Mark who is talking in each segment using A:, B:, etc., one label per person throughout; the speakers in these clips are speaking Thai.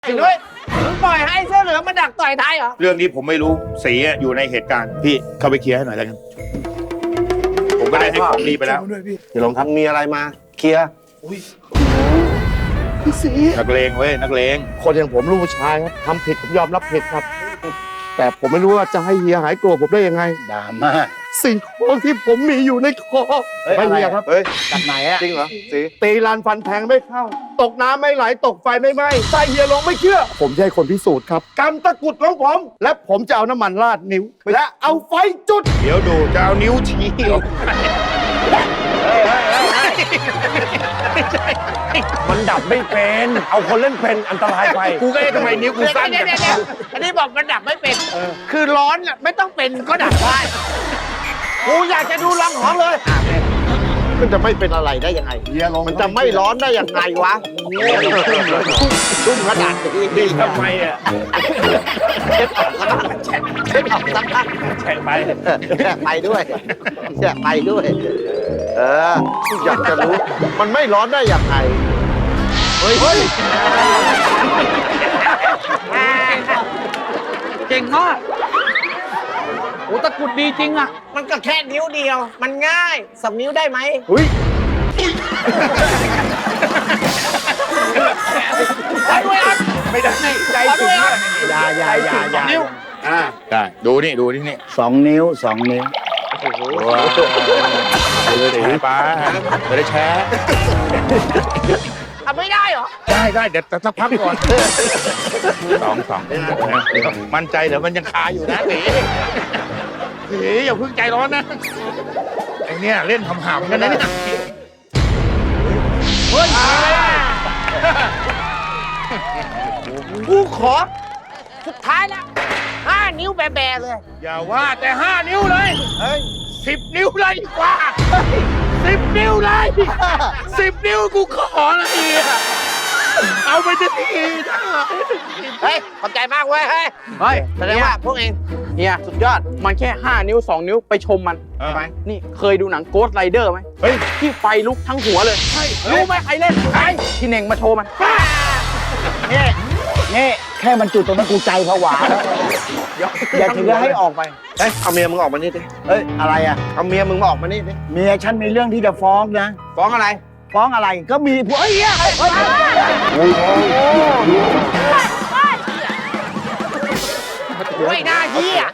A: ไอ้นุ้ยมึงปล่อยให้เสื้อเหลืองมาดักต่อยท้ายเหรอ
B: เรื่องนี้ผมไม่รู้สีอยู่ในเหตุการณ์พี่เข้าไปเคลียร์ให้หน่อยแล้วกันผมก็ได้ให้ของดีไปแล้ว
C: พี่หลงครับมีอะไรมาเคลียร์
D: พี่สี
B: นักเลงเว้ยนักเลง
D: คนอย่างผมลูกผู้ชายครับทำผิดผมยอมรับผิดครับ แต่ผมไม่รู้ว่าจะให้เฮียหายโกรธผมได้ยังไง
C: ดราม่า
D: สิ่งของที่ผมมีอยู่ในคอไม่เฮียครับ
C: เฮ้ยจากไหนอะจริงเหรอสี
D: ตีลานฟันแทงไม่เข้า ตกน้ำไม่ไหลตกไฟไม่ไหม้ใส่เฮียลงไม่เชื่อ ผมจะให้คนพิสูจน์ครับกำตะกรุดของผม และผมจะเอาน้ำมันราดนิ้ว และเอาไฟจุด
B: เดี๋ยวดูจะเอานิ้วชี้ลงไป
C: มันดับไม่เป็นเอาคนเล่นเป็นอันตรายไป
B: กูก็เอ๊ะทำไมนิ้วกูสั้น
A: เดี๋
B: จั
A: ยว
B: ง
A: อันนี้บอกมันดับไม่เป็น คือร้อนน่ะไม่ต้องเป็นก็ดับได้กูอยากจะดูลองของเลย
D: มันจะไม่เป็นอะไรได้ยังไงเฮียลงมันจะไม่ร้อนได้ยังไงวะชุ่มขนาดนี้
B: ดีทำไมอ่ะ
D: เช็ดออกสักพัก
B: แช่ไป
D: ไปด้วยไปด้วย อยากจะรู้มันไม่ร้อนได้ยังไงเฮ้ย
A: เก่งมากโอ้ตะกรุดดีจริงอ่ะ มันก็แค่นิ้วเดียว มันง่ายสองนิ้วได้ไหม
D: เฮ้ย
A: ไปด้วยอ่ะ
B: ไม่ได้ใจ
A: ไป
B: ถึ
A: ด้
B: ง
A: วยอ่ะ
C: อย่า
A: นิ้ว
B: ได้ดูนี่
C: 2 นิ้ว 2 นิ้ว
B: ว้าวแชร์ไปไม่ได้แชร์
A: ทำไม่ได้เหรอ
B: ได้เดี๋ยวสักพักก่อนสองมั่นใจเหรอมันยังคาอยู่นะสีอย่าเพิ่งใจร้อนนะไอเนี่ยเล่นหำๆกันนะเนี่ยเฮ้ย
A: กูขอ สุดท้ายแล้ว5 นิ้วแบะๆเลย
B: อย่าว่าแต่5 นิ้วเลย10 นิ้วเลยดีกว่า10 นิ้วเลย10 นิ้วกูขอเลยอ่ะเอาไปจะทีนะ
A: เฮ้ย ขอบใจมากเว้ย เฮ้ย
E: เฮ้ย
A: แสดงว่าพวกเอง
E: เฮียสุดยอด มันแค่ 5 นิ้ว 2 นิ้วไปชมมัน นี่เคยดูหนังโกสต์ไรเดอร์ไหม
B: เฮ้ย
E: ที่ไฟลุกทั้งหัวเลย รู้ไหมใครเล่นใครที่เน่งมาโชว์มัน
C: นี่แค่มันจุดตรงนั้นกูใจผวาแล้วอย่าถึงจะให้ออกไป
D: เฮ้ยเอาเมียมึงออกมานี่ดิ
C: เฮ้ยอะไรอะ
D: เอาเมียมึงมาออกมานี่ดิ
C: เมียฉันมีเรื่องที่จะฟ้องนะ
A: ฟ้องอะไร
C: ฟ้องอะไรก็มีผัวเฮ้ย
A: ไม่น่าเหี้ย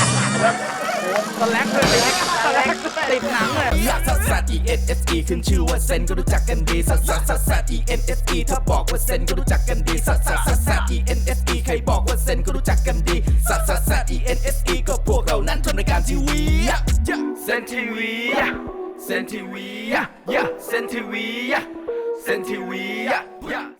E: ติดหนังเลย
F: ซัสซัส E N S E ขึ้นชื่อว่าเซนก็รู้จักกันดีซัสซัสซัสซัส E N S E ถ้าบอกว่าเซนก็รู้จักกันดีซัสซัสซัสซัส E N S E ใครบอกว่าเซนก็รู้จักกันดีซัสซัสซัส E N S E ก็พวกเรานั้นทำรายการทีวีเซนทีวีเซนทีวีเซนทีวีเซนทีวี